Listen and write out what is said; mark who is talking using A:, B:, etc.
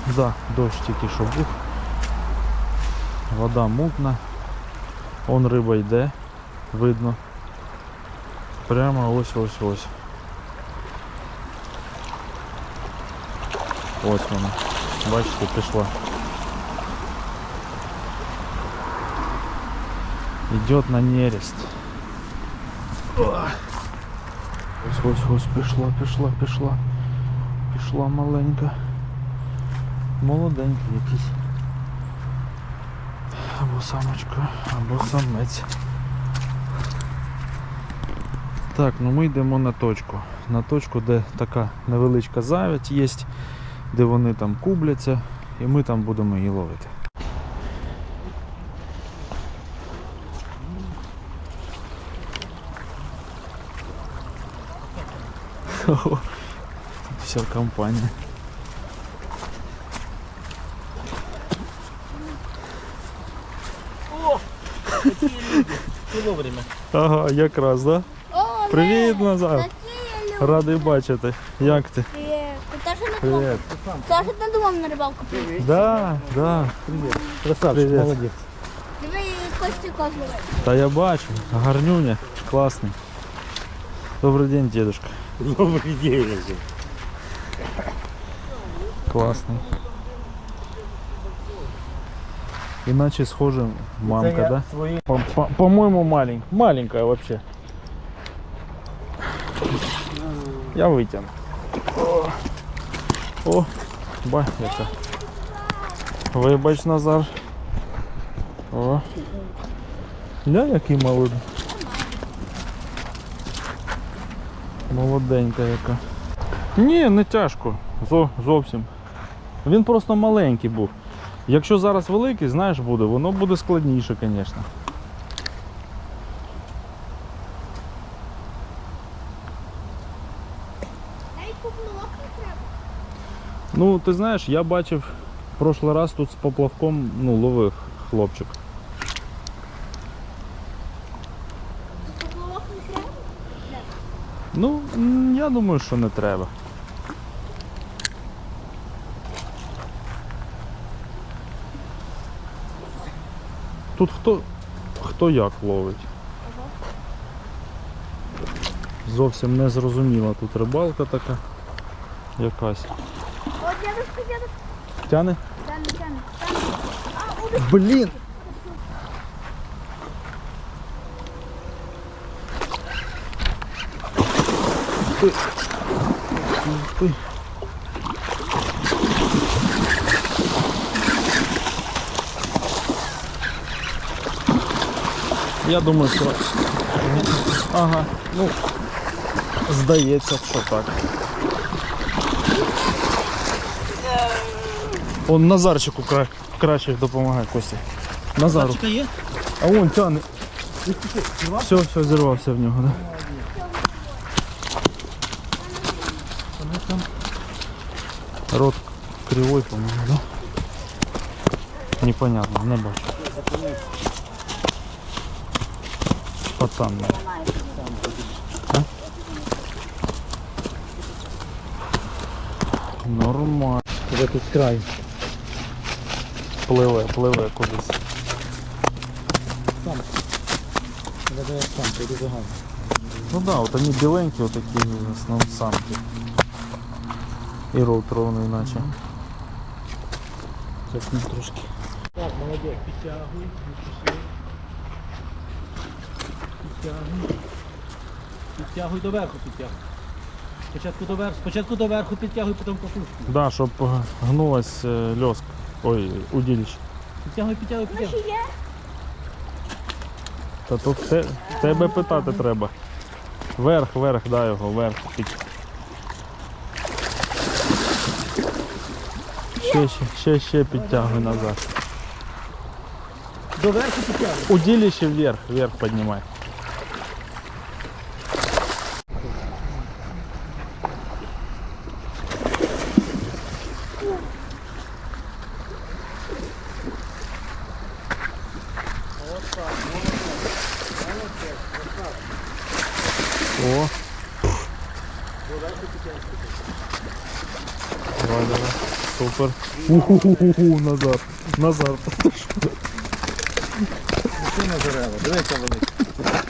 A: Да, дощ тільки що був. Вода мутна. Он риба йде, видно. Прямо ось. Ось вона. Бачите, пішла. Идет на нерест. Ось, пішла. Пішла маленька. Молоденький якийсь. Або самочка, або самець. Так, ну ми йдемо на точку. На точку, де така невеличка завідь є, де вони там кубляться, і ми там будемо її ловити. Тут вся компанія.
B: О! Такі люди. І вовремя.
A: Ага, якраз, да?
C: О,
A: Привіт, Назар.
C: такі люди.
A: Радий бачити. Як ти?
C: Привіт. Ти теж не думав?
A: Привіт.
C: Теж не думав на рибалку прийти?
A: Да.
B: Привіт. Красавчик,
A: Привіт.
B: молодець.
C: Диви, Костю козловий.
A: Та я бачу. Гарнюня. Класний. Добрий день, дедушка.
B: Добрий день.
A: Класний. Иначе схоже мамка, да?
B: Свої...
A: По-моему, маленькая вообще. Я вытяну. О, ба, яка. Вибач, Назар. О. Ля, який молодий. Молоденька яка. Ні, не тяжко. Зовсім. Він просто маленький був. Якщо зараз великий, знаєш, буде, воно буде складніше, звісно.
C: Навіть поплавок не треба.
A: Ну, ти знаєш, я бачив в прошлий раз тут з поплавком, ну, ловив хлопчик.
C: Поплавок не треба?
A: Ну, я думаю, що не треба. Тут хто як ловить. Зовсім не зрозуміла тут рибалка така якась.
C: О, дедушка.
A: Тяне?
C: Тяне.
A: Блін! Ти. Я думаю, що... Ага, ну, здається, що так. Он Назарчику краще допомагає, Костя. Назару.
B: Красавчика є?
A: А вон тяне. Все, зірвався в нього, да? Рот кривой, по-моему, да? Непонятно, не бачу. Пацан. А? Нормально.
B: Тебе тут край.
A: Пливе кудись.
B: Сам. Я сам, це дуже гарно.
A: Ну да, вот они беленькие, вот такие в основном самки. И рот ровный иначе.
B: Зараз не трошки. Так, молодець, підтягуй, підтягуй доверху, підтягуй. Спочатку доверху підтягуй, потім по сушку.
A: Да, щоб гнулась лёска. Ой, удилище.
B: Підтягуй.
C: Ну, ще є?
A: Та тут тебе питати треба. Вверх, дай його, вверх. Ще підтягуй назад.
B: Доверху підтягуй.
A: Удилище вверх поднимай. О. Давай. Супер. Уху, Назар. Назар.
B: Машина дерева, дивися велика.